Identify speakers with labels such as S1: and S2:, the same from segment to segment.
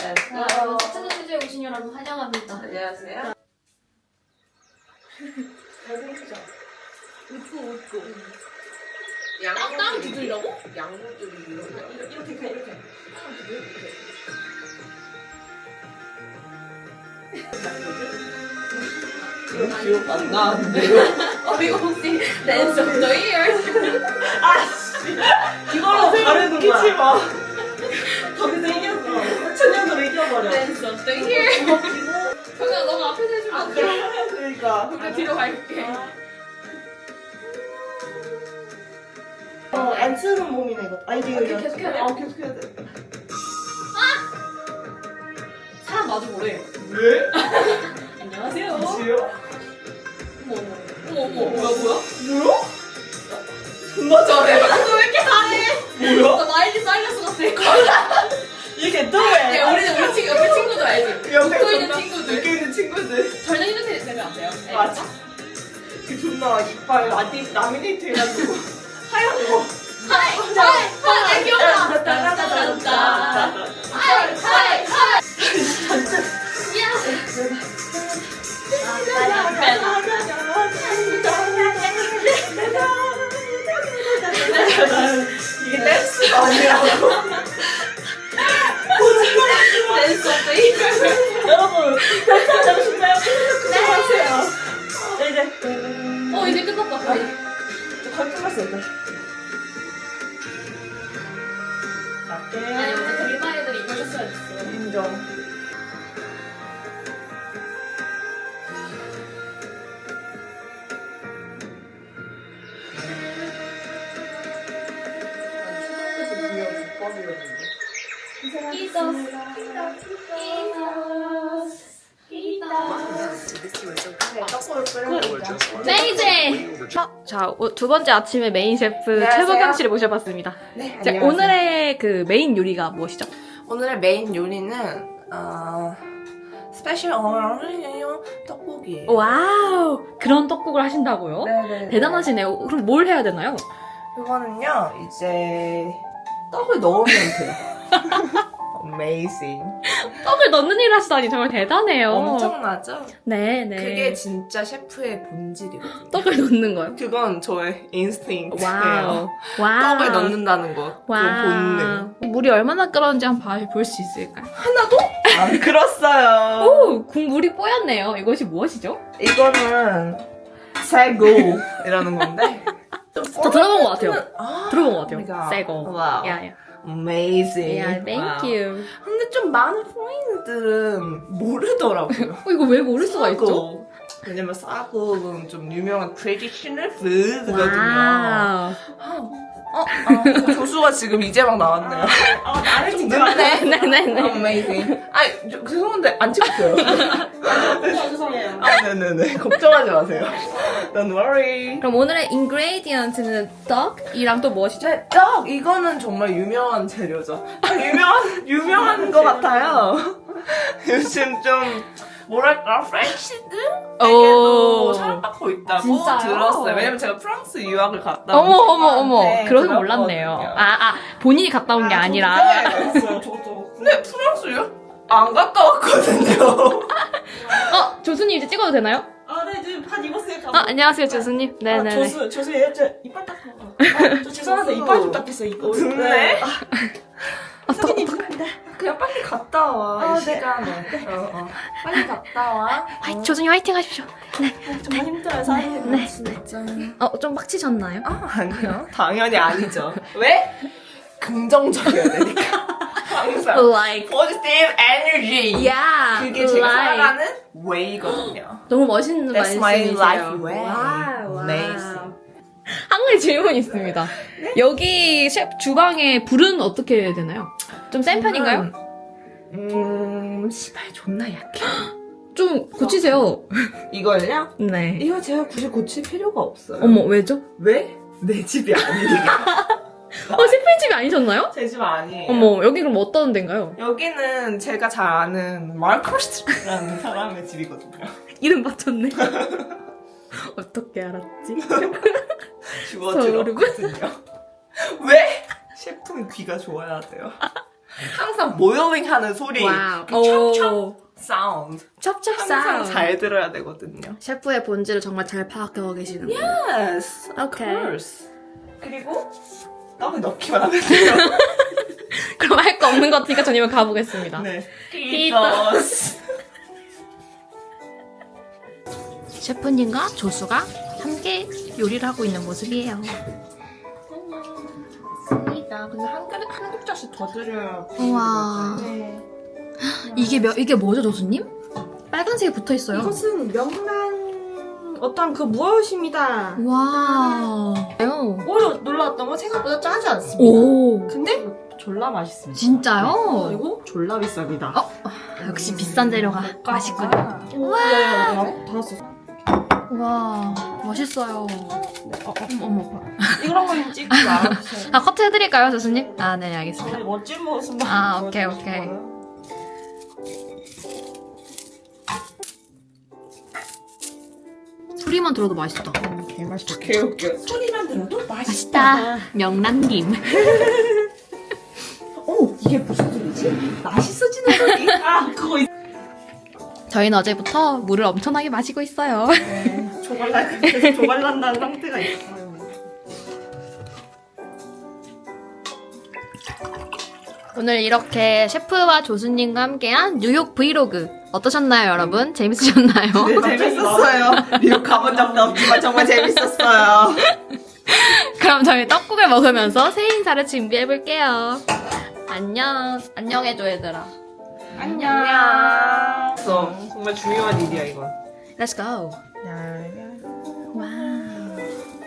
S1: 사천의 수제에 오신 여러분 환영합니다.
S2: 안녕하세요.
S1: 잘생기죠? 웃고.
S2: 양무들이
S1: 두들이라고?
S2: 양무들이
S1: 이렇게.
S2: 기억 안 나는데요?
S1: 이거 혹시 Dance of the Year?
S2: 이걸로 다른 웃기지 마. 거기서 이겼어. 천년으로 이겨버려.
S1: Dance of the Year. 정말 너무 앞에서 해주면 안 돼.
S2: 그러니까.
S1: 우리 뒤로 갈게.
S2: 안 쓰는 몸이네 이거. 아이디어.
S1: 계속 해야 돼?
S2: 계속 해야 돼.
S1: 사람 마주 보래.
S2: 왜?
S1: 안녕하세요.
S2: 지요?
S1: 어머.
S2: 뭐야? 존나 잘해.
S1: 너 왜 이렇게 잘해?
S2: 뭐야?
S1: 나 마일리 사이러스 같아.
S2: 이게 또 왜?
S1: 야, 우리 친구들 알지?
S2: 옆에
S1: 웃고 있는
S2: 존나
S1: 친구들.
S2: 웃고 있는 친구들.
S1: 전혀 힘든 되면 안 돼요.
S2: 맞아. 그 존나 이빨 라미네이트 해가지고 하얀 거.
S1: 하이, 기억나. 하이.
S2: 이게 댄스가 아니라고.
S1: 댄스 오브 더 이어.
S2: 여러분, 댄스 하고 싶나요? 구독하세요. 네, 이제.
S1: 이제 끝났다. 거의.
S2: 거의 끝났어, 이제. 맞게.
S1: 아니, 어쨌든 일반 애들이 이걸 줬어야 됐어.
S2: 인정.
S1: 메이제! 자, 두 번째 아침에 메인 셰프
S2: 안녕하세요.
S1: 최보경 씨를 모셔봤습니다.
S2: 네,
S1: 자,
S2: 안녕하세요.
S1: 오늘의 그 메인 요리가 무엇이죠?
S2: 오늘의 메인 요리는 스페셜 어린이용 떡볶이.
S1: 와우! 그런 떡국을 하신다고요?
S2: 네네.
S1: 대단하시네요. 그럼 뭘 해야 되나요?
S2: 이거는요 이제 떡을 넣으면 돼요. Amazing.
S1: 떡을 넣는 일을 하시다니 정말 대단해요.
S2: 엄청나죠?
S1: 네네.
S2: 그게 진짜 셰프의 본질이거든요.
S1: 떡을 넣는 거요?
S2: 그건 저의 인스팅트예요.
S1: 와우. 와우.
S2: 떡을 넣는다는 거. 그 본능.
S1: 물이 얼마나 끓었는지 한번 볼 수 있을까요?
S2: 하나도 안 끓었어요.
S1: 오! 국물이 뽀얗네요. 이것이 무엇이죠?
S2: 이거는 새고이라는 건데.
S1: 저 들어본 것 같아요. 들어본 것 같아요.
S2: 그러니까.
S1: 새거.
S2: 와우.
S1: 야.
S2: Amazing.
S1: 야, thank
S2: 와우.
S1: you.
S2: 근데 좀 많은 포인트들은 모르더라고요.
S1: 이거 왜 모를 수가 있죠?
S2: 싸고. 왜냐면 싸고는 좀 유명한 트레디셔널 푸드거든요.
S1: 와우.
S2: 조수가 지금 이제 막 나왔네요. 나를 찍지
S1: 네.
S2: Amazing. 아니, 죄송한데 안 찍었어요.
S1: 죄송해요.
S2: 네네네. 걱정하지 마세요. Don't worry.
S1: 그럼 오늘의 인그레디언트는 떡이랑 또 무엇이죠?
S2: 네, 떡! 이거는 정말 유명한 재료죠. 유명한 것 같아요. 요즘 좀, 뭐랄까, 프렌치들에게도 사랑받고 있다고
S1: 진짜요?
S2: 들었어요. 왜냐면 제가 프랑스 유학을 갔다
S1: 어머.
S2: 네,
S1: 그런 거
S2: 들었거든요.
S1: 몰랐네요. 본인이 갔다 온 게 아니라.
S2: 네, 저도. 근데 프랑스 유학 안 갔다 왔거든요.
S1: 조수님 이제 찍어도 되나요?
S3: 네, 지금 판 입었어요.
S1: 안녕하세요, 조수님. 네네네.
S3: 조수, 저 이빨 닦고. 저 죄송한데
S2: 조수.
S3: 이빨 좀 닦겠어요, 이거.
S2: 네.
S3: 선생님, 죄송합니다.
S2: 그냥 빨리 갔다 와, 이 시간에. 빨리 갔다 와.
S1: 조수님 화이팅 하십시오.
S3: 정말 힘들어요, 사장님.
S1: 네.
S2: 진짜.
S1: 좀 빡치셨나요?
S2: 아니요. 당연히 아니죠. 왜? 긍정적이어야 되니까. 항상.
S1: Like.
S2: Positive energy.
S1: Yeah.
S2: 그게 제가
S1: like.
S2: 살아가는 웨이거든요.
S1: 너무 멋있는
S2: That's my
S1: 말씀이세요.
S2: life way.
S1: 와우.
S2: Amazing.
S1: 한 가지 질문이 있습니다. 여기 셰프 주방에 불은 어떻게 되나요? 좀 센 편인가요?
S2: 시발 존나 약해.
S1: 좀 고치세요.
S2: 이걸요?
S1: 네.
S2: 이거 제가 굳이 고칠 필요가 없어요.
S1: 어머, 왜죠?
S2: 왜? 내 집이 아니니까.
S1: 셰프의 집이 아니셨나요?
S2: 제 집 아니에요.
S1: 어머, 여기 그럼 어떤 데인가요?
S2: 여기는 제가 잘 아는 마르코스라는 사람의 집이거든요.
S1: 이름 맞췄네. 어떻게 알았지?
S2: 주워
S1: 소름.
S2: 들었거든요. 왜? 셰프는 귀가 좋아야 돼요. 항상 모여링 하는 소리.
S1: 와우.
S2: 그 찹찹 사운드.
S1: 찹찹
S2: 항상
S1: 사운드.
S2: 잘 들어야 되거든요.
S1: 셰프의 본질을 정말 잘 파악하고 계시는 거예요.
S2: Yes, of
S1: 오케이.
S2: course. 그리고 떡을 넣기만 하면 돼요.
S1: 그럼 할 거 없는 것 같으니까 전 이만 가보겠습니다.
S2: 네.
S1: 피토스. 셰프님과 조수가 함께 요리를 하고 있는 모습이에요.
S3: 맞습니다. 근데 한 국자씩 더 드려요.
S1: 우와.
S3: 네.
S1: 이게 뭐죠, 조수님? 빨간색이 붙어 있어요.
S3: 이것은 명란 어떤 그 무엇입니다.
S1: 와.
S3: 오히려 놀라웠던 건 생각보다 짜지 않습니다.
S1: 오.
S3: 근데 졸라 맛있습니다.
S1: 진짜요?
S3: 그리고 졸라 비쌉니다.
S1: 역시 비싼 재료가 맛있군요.
S3: 와. 다 왔어.
S1: 와, 맛있어요. 어머.
S3: 이런 거 찍지 말아주세요.
S1: 아, 커트 해드릴까요, 조수님? 아, 네, 알겠습니다.
S3: 멋진 모습만.
S1: 아, 오케이,
S3: 보여주고
S1: 오케이.
S3: 싶어요.
S1: 소리만 들어도 맛있다.
S3: 개맛있다.
S2: 개웃겨.
S3: 소리만 들어도
S1: 맛있다. 명란김.
S3: 오, 이게 무슨 소리지? 맛있어지는 소리. 아, 그거 있...
S1: 저희는 어제부터 물을 엄청나게 마시고 있어요.
S3: 계속 조갈난다는 상태가 있어요.
S1: 오늘 이렇게 셰프와 조수님과 함께한 뉴욕 브이로그 어떠셨나요, 여러분? 재밌으셨나요?
S2: 네, 재밌었어요. 미국 가본 적도 없지만 정말 재밌었어요.
S1: 그럼 저희 떡국을 먹으면서 새해 인사를 준비해볼게요. 안녕해줘, 얘들아.
S3: 안녕.
S2: 정말 중요한 일이야, 이건.
S1: Let's go. 와우.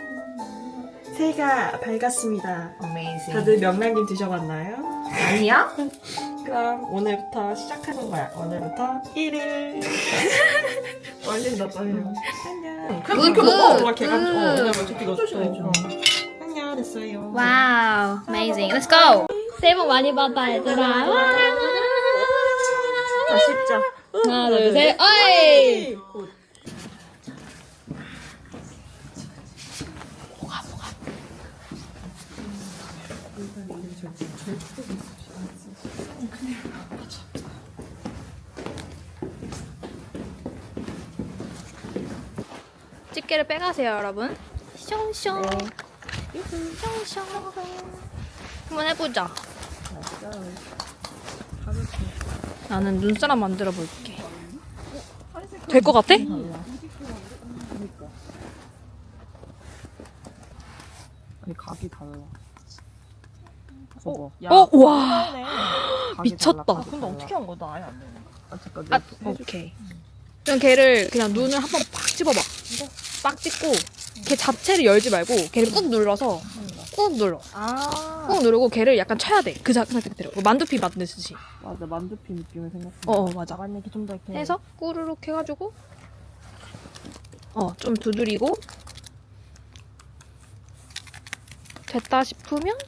S3: 새해가 밝았습니다.
S2: Amazing.
S3: 다들 명란김 드셔봤나요?
S2: 아니야?
S3: 그럼 오늘부터 시작하는 거야. 오늘부터 1일. 떨린다, 떨려. 안녕. 그냥
S1: 굿,
S3: 그렇게 먹어.
S1: 굿,
S3: 막 걔가
S1: 굿.
S3: 오늘 어차피 이거 줬어. 안녕, 됐어요.
S1: 와우. Amazing. Let's go. 새해 복 많이 받아, 얘들아. 와.
S3: 맛있죠?
S1: 하나, 둘, 셋. 어이! 집게를 빼가세요, 여러분. 숑숑. 숑숑. 한번 해보자. 나는 눈사람 만들어 볼게. 될 것 같아?
S2: 아니, 각이 달라.
S1: 와. 미쳤다.
S3: 근데 어떻게 한 거야? 나 아예 안 돼.
S2: 아, 잠깐.
S1: 아, 오케이. 그럼 걔를 그냥 눈을 한번 팍 집어봐. 빡 찍고 걔 자체를 열지 말고 걔를 꾹 눌러서 꾹 눌러. 꾹 누르고 걔를 약간 쳐야 돼. 그 상태 그대로. 만두피 만드듯이.
S2: 맞아, 만두피 느낌을 생각해.
S1: 맞아.
S3: 맞네, 이렇게 좀더 이렇게.
S1: 해서 꾸르륵 해가지고 좀 두드리고 됐다 싶으면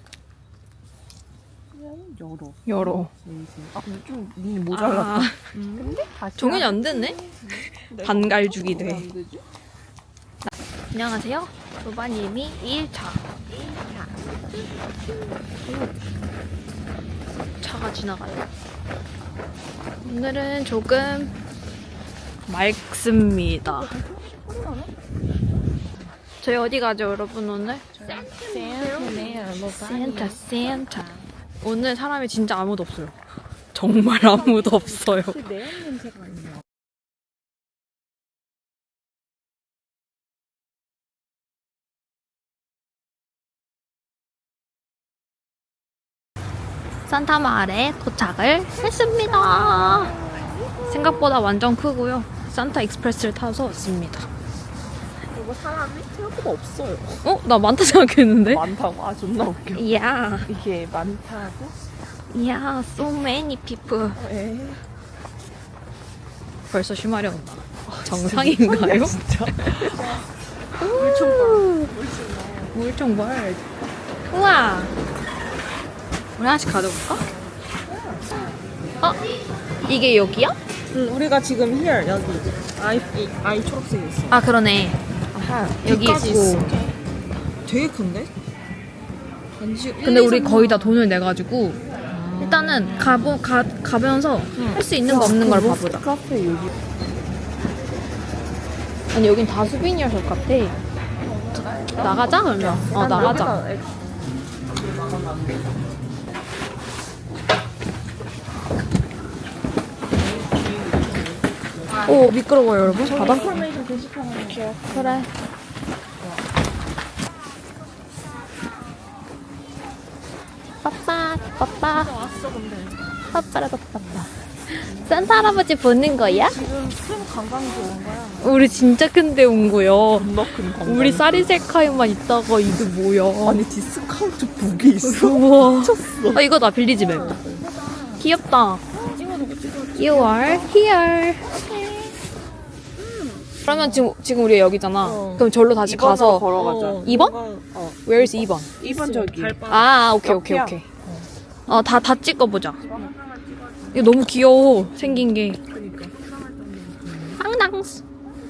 S1: 열어.
S2: 아, 근데 좀 눈이 모자랐다.
S1: 아,
S2: 근데 다시.
S1: 종현이 안 됐네? 반갈죽이 돼.
S2: 안 되지?
S1: 안녕하세요. 조바님이 1차. 차가 지나가요. 오늘은 조금 맑습니다. 저희 어디 가죠, 여러분, 오늘? 센터. 오늘 사람이 진짜 아무도 없어요. 정말 아무도 없어요.
S2: 매운 냄새가 있네요.
S1: 산타마을에 도착을 했습니다. 생각보다 완전 크고요. 산타 익스프레스를 타서 왔습니다.
S2: 이거 사람이 생각보다 없어요.
S1: 나 많다 생각했는데?
S2: 많다고? 아, 존나 웃겨.
S1: 이야,
S2: 이게 많다고?
S1: so many people. 벌써 쉬마려 온다. 정상인가요?
S2: 진짜.
S1: 물총벌. 우와. 우리 하나씩 가져볼까? 이게 여기야?
S3: 우리가 지금 here 여기 아이 초록색 있어.
S1: 아, 그러네. 여기
S3: 여기까지
S1: 있고.
S3: 있어. 되게 큰데?
S1: 근데 우리 거의 다 돈을 내가지고 일단 일단은 가면서 할 수 있는 거 없는 걸 봐보자.
S2: 카페 여기.
S1: 아니 여긴 다 수비니어샵 같아. 나가자 그러면. 나가자. 오 미끄러워요 여러분. 바닥. 그래. 빠빠 빠빠. 빠빠라빠빠. 산타 할아버지 보는 거야?
S2: 지금 큰 관광지 온 거야.
S1: 우리 진짜 큰데 온 거야.
S2: 겁나 큰 관광.
S1: 우리 쌀이셀카에만 있다가 이게 뭐야?
S2: 아니 디스카운트 북이 있어.
S1: 우와.
S2: 미쳤어.
S1: 이거 나 빌리지 맵. 귀엽다. You are here. 그러면 지금 우리 여기잖아. 그럼 절로 다시 가서
S2: 걸어가자.
S1: 2번?
S2: 어.
S1: Where is 2번?
S2: 2번 저기.
S1: 오케이. 다 찍어보자. 이거 너무 귀여워. 생긴 게. 앙당스.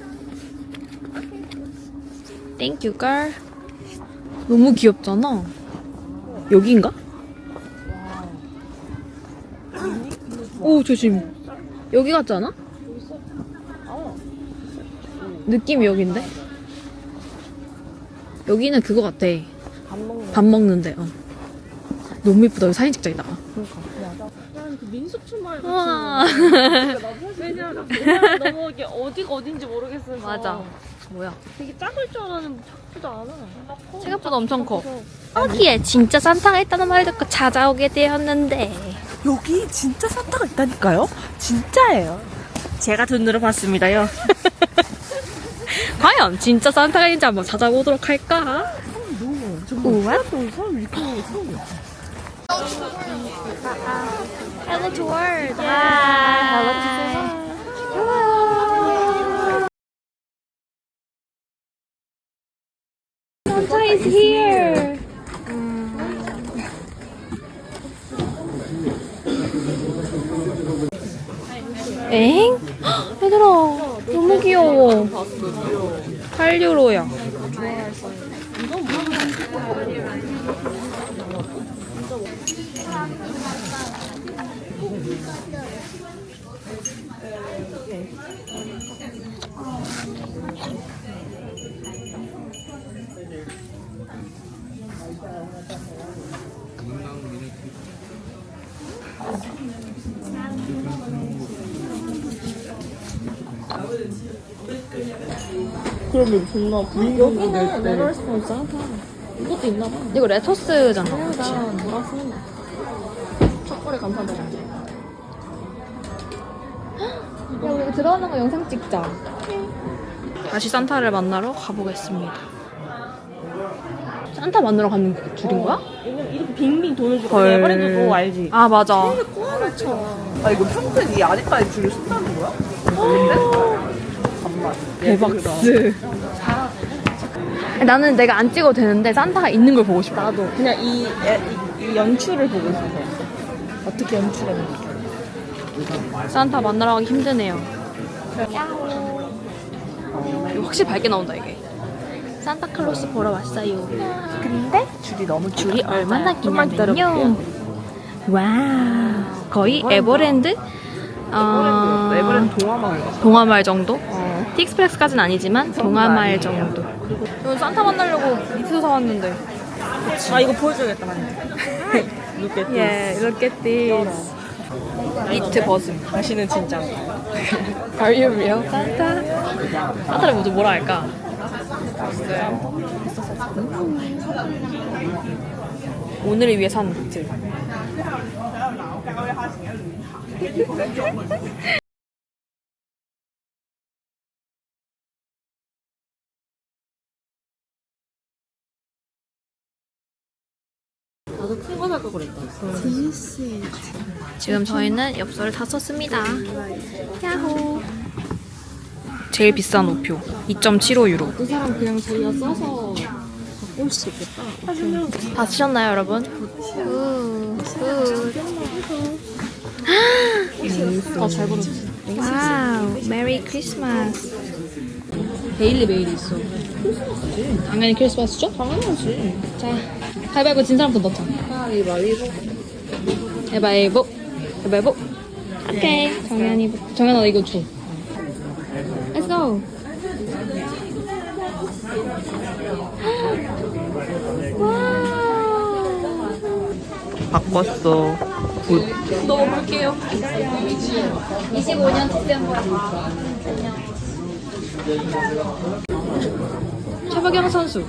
S1: Thank you, girl. 너무 귀엽잖아. 여기인가? 오, 조심. 여기 같지 않아? 느낌이 여긴데? 여기는 그거 같아. 밥 먹는데. 너무 예쁘다. 여기 사진 찍자, 이따가.
S3: 민속촌 말고.
S1: 우와.
S3: 왜냐면 너무 이게 어디가 어딘지 모르겠어서.
S1: 맞아. 뭐야?
S3: 되게 작을 줄 알았는데 작지도 않아.
S1: 생각보다 엄청 커. 여기에 진짜 산타가 있다는 말 듣고 찾아오게 되었는데.
S2: 여기 진짜 산타가 있다니까요? 진짜예요. 제가 눈으로 봤습니다요.
S1: 과연 진짜 산타가 있는지 한번 찾아보도록 할까? 우와.
S2: 사람 이렇게 하는 거 처음이야.
S1: Hello to world. Hello to Hello. Santa is here. 엥? 얘들아, 너무 귀여워. 8유로야.
S2: 그러면 존나
S3: 여기는 레더스폰 산타. 이것도 있나 봐.
S1: 이거 레터스잖아.
S3: 나 뭐라 쓰는 거. 첫걸에 감사드려.
S1: 야, 우리 들어가는 거 영상 찍자. 다시 산타를 만나러 가보겠습니다. 산타 만나러 가는 줄인 거야?
S3: 왜냐면 이렇게 빙빙 도는 줄
S1: 헐.
S3: 알고 에버랜드도 알지?
S1: 아, 맞아.
S3: 꼬아놓잖아.
S2: 아 이거 평생 이 아직까지 줄을 쓴다는 거야? 잠만.
S1: 대박스. 나는 내가 안 찍어도 되는데 산타가 있는 걸 보고 싶어.
S3: 나도 그냥 이 연출을 보고 싶어. 어떻게 연출했는지.
S1: 산타 만나러 가기 힘드네요. 이거 확실히 밝게 나온다 이게. 산타클로스 보러 왔어요. 근데
S2: 줄이 너무
S1: 줄이 얼마나
S2: 좀만
S1: 기냐면요. 와, 거의 에버랜드?
S2: 에버랜드 동화마을 같아.
S1: 동화마을 정도? 틱스프렉스까지는 아니지만 동화마을 정도. 이거 산타 만나려고 니트도 사왔는데.
S3: 아 이거 보여줘야겠다 만약. Look at this.
S1: Yeah, look at this. 니트 벗음.
S3: 다시는 진짜 안 가요.
S1: Are you real? 산타? 산타를 먼저 뭐라 할까? 오늘을 위해 산 니트.
S3: 나도 큰 거 살까 그랬다.
S1: 지금 저희는 엽서를 다 썼습니다. 야호. 제일 비싼 우표 2.75유로.
S3: 그 사람 그냥 자기가 써서 갖고 올 수 있겠다.
S1: 다 쓰셨나요, 여러분?
S3: 잘 보냈어.
S1: 와우, 메리 크리스마스.
S3: 데일리 메일이 있어.
S1: 당연히 크리스마스죠?
S3: 당연하지.
S1: 자, 가위바위보 진 사람부터 넣자.
S3: 가위바위보.
S1: 가위바위보. 가위바위보. 오케이. 정연아 이거 줘. Let's go.
S2: 바꿨어.
S1: 넣어볼게요. 25년 디셈버. 최박영 선수.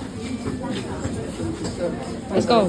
S1: Let's go.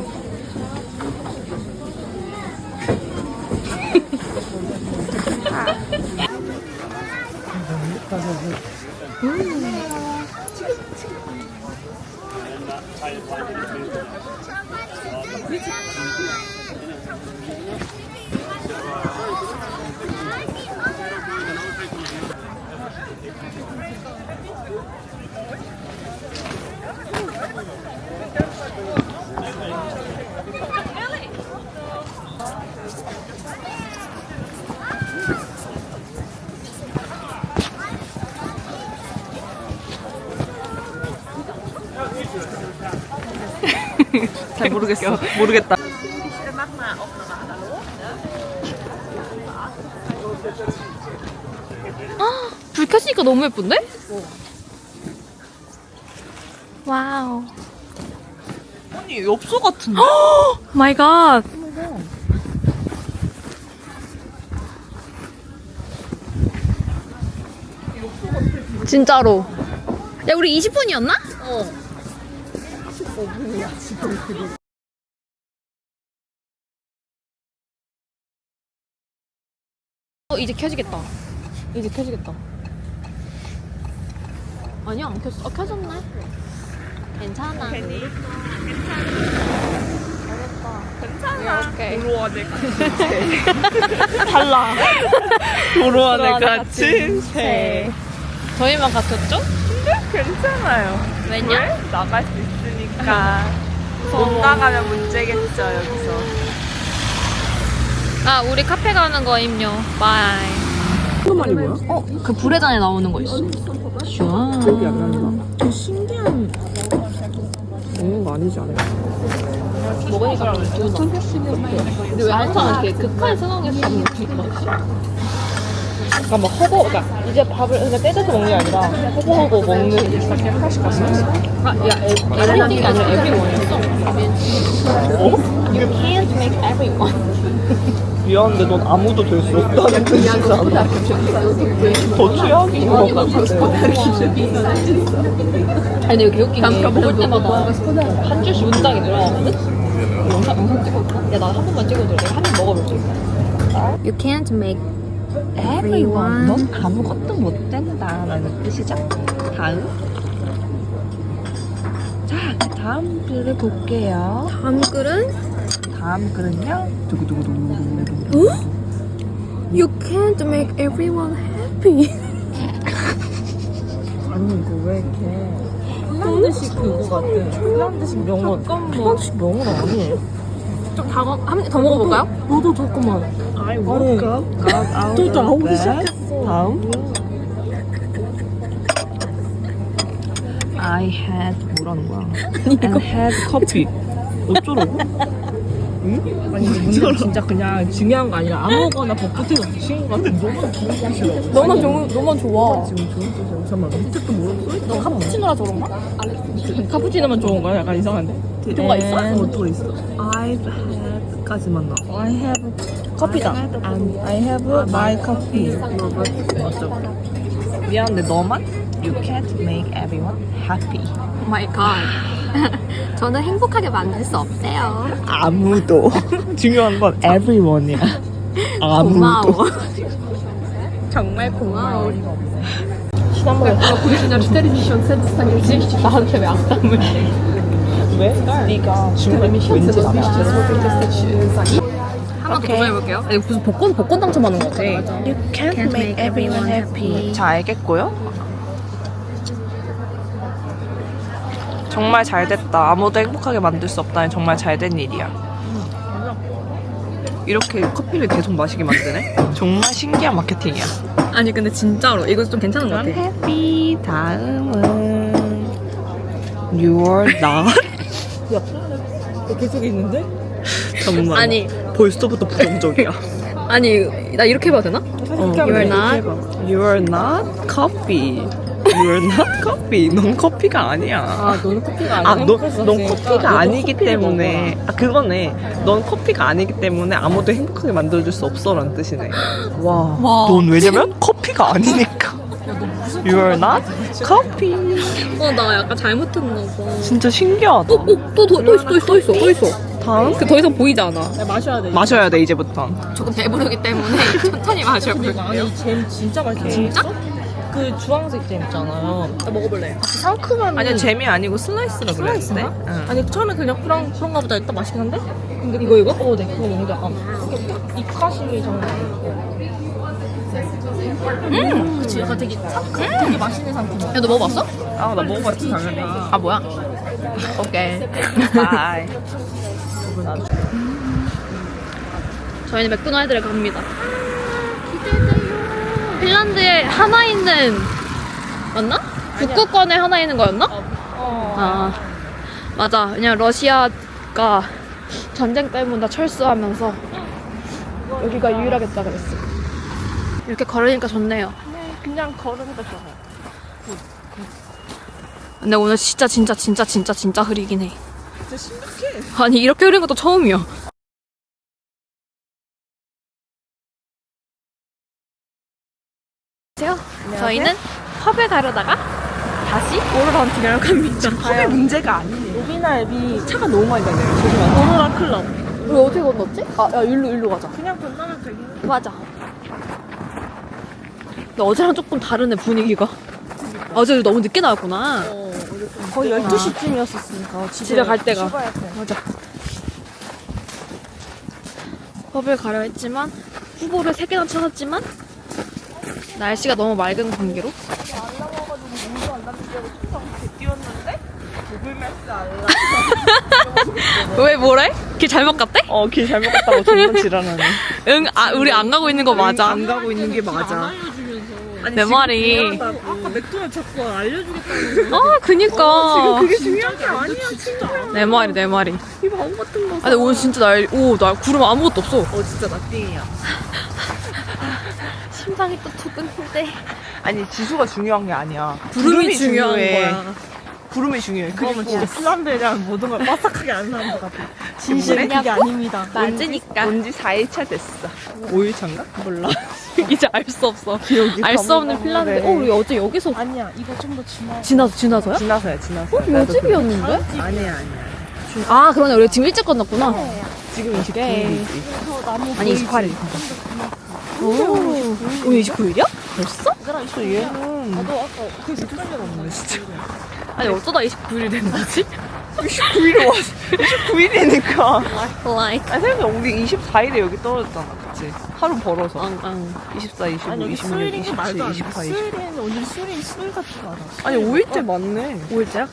S2: 잘 모르겠어. 모르겠다.
S1: 불 켰으니까 너무 예쁜데? 와우.
S2: 아니 엽서 같은데?
S1: 마이 갓. 진짜로. 야, 우리 20분이었나? 이제 켜지겠다. 이제 켜지겠다. 아니야, 안 켰어. 켜졌네. 괜찮아.
S2: 괜찮아.
S1: 오케이.
S2: 도로안에 갇힌 달라. 도로안에 갇힌 새.
S1: 저희만 같았죠?
S2: 괜찮아요.
S1: 왜냐?
S2: 왜? 나갈 수 있으니까. 못 나가면 문제겠죠 여기서.
S1: 아, 우리 카페 가는 거임요. 바이.
S2: 이거 말이 뭐야?
S1: 그 불회전에 나오는 거 있어. 슈아.
S2: 기억이 안 난다. 되게 신기한 먹는 거 아니지 않아요?
S1: 먹으니까 근데 왜 항상 이렇게 극한 상황에서 먹는 거
S2: 그러니까 막 허거, 그러니까 이제 밥을 그냥 떼져서 먹는 게 아니라 허거허거 먹는 게 이렇게 하나씩 갔어.
S1: 아, 야, 에브리띵이 아니라 에브리원이었어. You can't make everyone.
S2: 미안한데 넌 아무도 될 수 없다는 뜻이잖아. 더 최악인 것 같아.
S1: 아니, 근데 개웃긴 게 먹을 때마다 한 줄씩 문장이 늘어나거든? 영상 찍어볼까? 야, 나 한 번만 찍어줘. 내가 한 입 먹어볼 수 있어. You can't make everyone.
S2: 넌 아무것도 못 된다라는 뜻이죠. 다음. 자, 다음 글을 볼게요.
S1: 다음 글은
S2: 다음 글은요. 두구두구두구두구.
S1: You can't make everyone happy.
S2: 아니 이거 왜 이렇게 핀란드식 그거 같아. 핀란드식 명언. 핀란드식 명언 아니에요.
S1: 좀 더 먹어볼까요?
S2: 너도 잠깐만. I woke up, got out
S3: 또 나오기
S2: of bed.
S3: 시작했어.
S2: 다음. I had 뭐라는 거야? And had coffee. 어쩌라고? 응?
S3: 아니 문제는 진짜 그냥 중요한 거 아니라 아무거나 벚꽃에서 붙인 거 같은 너만 좋아.
S2: 지금 좋은 뜻이야. 잠깐만. 흰색도 모르겠어?
S3: 너 카푸치노라 저런 거? 카푸치노만 좋은 거야? 약간 이상한데? 뭐가 있어?
S2: 뭐가 있어? I've had까지만 나.
S3: I have 커피다. I have my coffee.
S2: 맞아. 미안한데 너만? You can't make everyone happy.
S1: Oh my god. 저는 행복하게 만들 수 없대요.
S2: 아무도. 중요한 건 everyone이야. 아무도.
S1: 정말 고마워.
S3: 시나몬.
S1: 고리시나 40 cent stanie 30 나한테 왜 악담을 해?
S2: 왜? 네가 중간에 왠지 나가.
S1: 한번 더 도전해볼게요. 아니, 무슨 복권 당첨하는 거 같아.
S2: You can't make everyone happy. 자, 알겠고요. 정말 잘 됐다. 아무도 행복하게 만들 수 없다니 정말 잘 된 일이야. 이렇게 커피를 계속 마시게 만드네? 정말 신기한 마케팅이야.
S1: 아니 근데 진짜로 이거 좀 괜찮은 것 같아.
S2: 해피. 다음은 You are not.
S3: 계속 있는데?
S2: 정말.
S1: 아니
S2: 벌써부터 부정적이야.
S1: 아니 나 이렇게 해봐도 되나? You're not.
S2: You're not coffee. You're not coffee. 넌 커피가 아니야.
S3: 아, 너는 커피가 아니야?
S2: 아, 넌 커피가 아니기 때문에. 아, 그거네. 넌 커피가 아니기 때문에 아무도 행복하게 만들어줄 수 없어라는 뜻이네. 와. 넌 왜냐면 커피가 아니니까. You're not coffee.
S1: 나 약간 잘못했나 봐.
S2: 진짜 신기하다.
S1: 또 있어.
S2: 다음?
S1: 그 더 이상 보이지 않아.
S3: 야, 마셔야 돼.
S2: 마셔야 돼, 이제부터.
S1: 조금 배부르기 때문에 천천히 마셔.
S3: 그리고 아니, 잼 진짜 맛있어. 진짜? 그 주황색 잼 있잖아요.
S1: 나 먹어볼래.
S3: 상큼한.
S2: 아니야, 잼이 아니고 슬라이스라 그랬는데. 응.
S3: 아니 처음에 그냥 그런가 보다 일단 맛있긴 한데? 근데 이거? 네, 그거 먹는데 약간 입가심이 정말 그치, 약간 되게 상큼, 되게 맛있는 상품.
S1: 야, 너 먹어봤어?
S2: 아, 나 먹어봤지, 당연히.
S1: 아, 뭐야? 오케이.
S2: 바이.
S1: 저희는 맥도날드를 갑니다. 핀란드에 하나 있는, 맞나? 북극권에 하나 있는 거였나? 아, 맞아. 왜냐면 러시아가 전쟁 때문에 다 철수하면서 여기가 유일하겠다 그랬어. 이렇게 걸으니까 좋네요.
S3: 그냥 걸으니까 좋아요.
S1: 근데 오늘 진짜 흐리긴 해.
S2: 진짜 심각해.
S1: 아니 이렇게 흐린 것도 처음이야. 안녕하세요. 저희는 펍에 가려다가 다시 오로라운팅을 갑니다.
S2: 컵의 문제가 아니네.
S3: 로비나 앱이
S2: 차가 너무 많이 다녀요. 조심하세요.
S3: 오로라 클럽.
S1: 우리 어떻게 건넜지? 아, 야, 일로 가자.
S3: 그냥 건너면 되긴 해.
S1: 맞아. 근데 어제랑 조금 다르네, 분위기가. 어제 너무 늦게 나왔구나.
S3: 거의 12시쯤이었으니까
S1: 집에 갈 때가.
S3: 쉬어야 돼.
S1: 맞아. 펍을 가려 했지만, 후보를 3개나 찾았지만, 날씨가 너무 맑은 관계로.
S2: 뛰었는데 구글맵스 알람.
S1: 왜 뭐래? 길 잘못 갔대?
S2: 길 잘못 갔다고 존나 지랄하네.
S1: 응, 우리 안 가고 있는 거 맞아.
S2: 안 가고 있는 게 맞아. 아니,
S1: 내
S2: 지금
S1: 말이.
S3: 아까 맥도날드 자꾸 알려주겠다는
S1: 아, 그니까.
S2: 그게 중요한 게 아니야, 진짜.
S1: 내 말이.
S2: 이 바보 같은 거.
S1: 아, 근데 오늘 진짜 날 구름 아무것도 없어.
S2: 진짜 나띵이야.
S1: 심장이 또 두근데.
S2: 아니, 지수가 중요한 게 아니야.
S1: 구름이 중요한
S2: 중요해.
S1: 거야.
S2: 구름이 중요해.
S3: 그러면 진짜 핀란드에 대한 모든 걸 빠삭하게 아는 사람 것 같아.
S1: 진심이냐고?
S3: 그게 아닙니다.
S1: 맞으니까.
S2: 온지 4일차 됐어. 5일차인가? 몰라.
S1: 이제 알 수 없어.
S2: 기억이
S1: 알 수 없는
S2: 가물가물해.
S1: 핀란드. 우리 어제 여기서
S3: 아니야, 이거 좀 더 지나.
S1: 지나서야?
S2: 지나서야.
S1: 요 집이었는데?
S2: 아니야.
S1: 아, 그러네. 우리 지금 일찍 건넜구나.
S2: 지금 29일이지.
S1: 아니, 28일. 오, 오늘 29일이야? 벌써?
S2: 얘는
S3: 나도 아까 그 진짜
S2: 없네, 진짜.
S1: 아니, 어쩌다 29일이 된 거지?
S2: 29일에 왔어. 29일이니까.
S1: Like.
S2: 아니, 생각해. 우리 24일에 여기 떨어졌잖아. 그치? 하루 벌어서.
S1: 앙.
S2: 24, 25,
S3: 아니, 여기
S2: 26,
S3: 수요일인 게
S2: 27,
S3: 말도 안 돼.
S2: 28, 29.
S3: 수요일에는 오늘 수요일 같지가 않아.
S2: 아니, 5일째 맞네.
S1: 5일째야?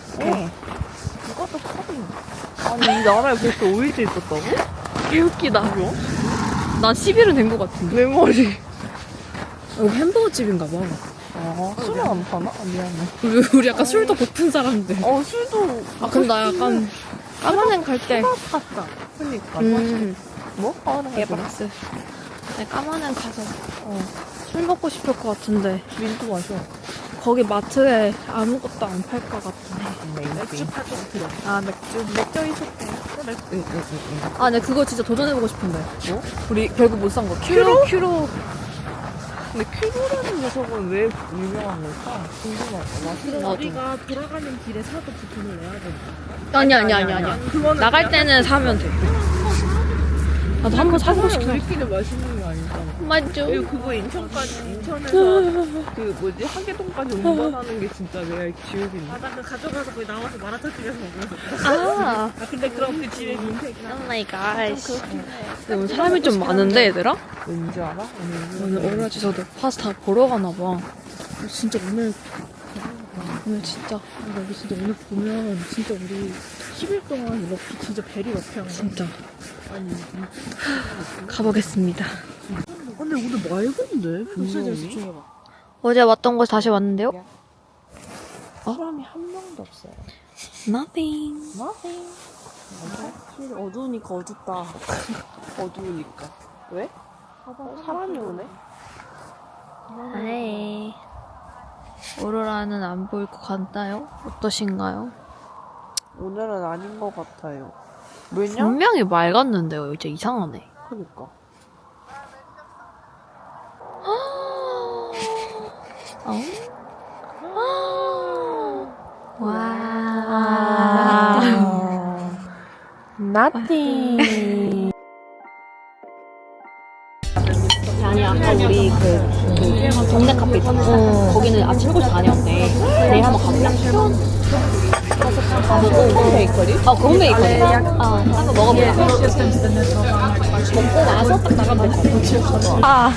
S3: 그것도 컵이.
S2: 아니, 이 나라에 벌써 5일째 있었다고?
S1: 개웃기다.
S2: 뭐야?
S1: 난 10일은 된 거 같은데.
S2: 내 머리.
S1: 여기 햄버거 집인가 봐.
S2: 술을 안 파나? 아, 미안해.
S1: 우리 약간 술도 고픈 사람들.
S2: 술도.
S1: 아, 근데 나 약간 까만행 갈 때.
S3: 샀다.
S2: 그니까.
S1: 뭐? 개박스. 네, 까만행 가서 술 먹고 싶을 것 같은데
S2: 민트 마셔.
S1: 거기 마트에 아무것도 안 팔 것 같네.
S2: 맥주
S3: 팔것 같아.
S1: 아, 맥주 있었대.
S2: 응.
S1: 아, 네, 그거 진짜 도전해보고 싶은데.
S2: 뭐?
S1: 우리 결국 못 산 거. 큐로.
S2: 근데 큐브라는 녀석은 왜 유명한 걸까? 궁금하다.
S1: 나도.
S3: 우리가 돌아가는 길에 사도 그 돈을 내야 되니까.
S1: 아니야. 나갈 때는 사면 돼. 나도 한번 사보고 싶긴 해.
S2: 우리끼리 맛있는 게 아니잖아.
S1: 맞죠?
S2: 그리고 그거 인천에서 그 뭐지 하계동까지 운전하는 게 진짜 내가 기억이 있네.
S3: 나 그 가져가서 거기 나와서 마라탕 끓여서 먹으면서.
S1: 아,
S3: 근데 그럼 그 집에 민폐긴 하다.
S1: 오 마이 갓. 근데 오늘 사람이 좀 많은데, 얘들아?
S2: 왠지 알아?
S1: 오늘 오라지서도 파스타 보러 가나 봐.
S3: 진짜 오늘
S1: 진짜.
S3: 여기 진짜 오늘 보면 진짜 우리 10일 동안 이렇게 진짜 베리 러프한 거.
S1: 진짜.
S3: 아니
S1: 가보겠습니다.
S2: 근데 오늘 맑은데
S3: 진짜
S2: 분명히.
S3: 집중해봐.
S1: 어제 왔던 곳 다시 왔는데요?
S3: 사람이 한 명도 없어요.
S1: Nothing.
S3: Nothing. 어두우니까 어둡다.
S2: 어두우니까. 왜? 사람이 오네?
S1: 네. 오로라는 안 보일 것 같나요? 어떠신가요?
S2: 오늘은 아닌 것 같아요. 왜냐?
S1: 분명히 맑았는데요. 이제 이상하네.
S2: 그니까.
S1: 어? 와.
S2: Nothing.
S3: 아니 아까 우리 그 동네 카페 있었잖아. 거기는 아침 7시 반이었대. 내일 한번 가볼래? 가보고 홈베이커리? 그 홈베이커리. 한번 먹어보자. 먹고 와서 딱 나가면 될 것 같아.
S1: 아.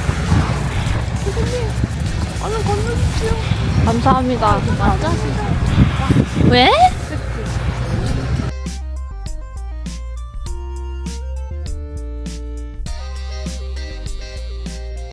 S1: 감사합니다. 왜?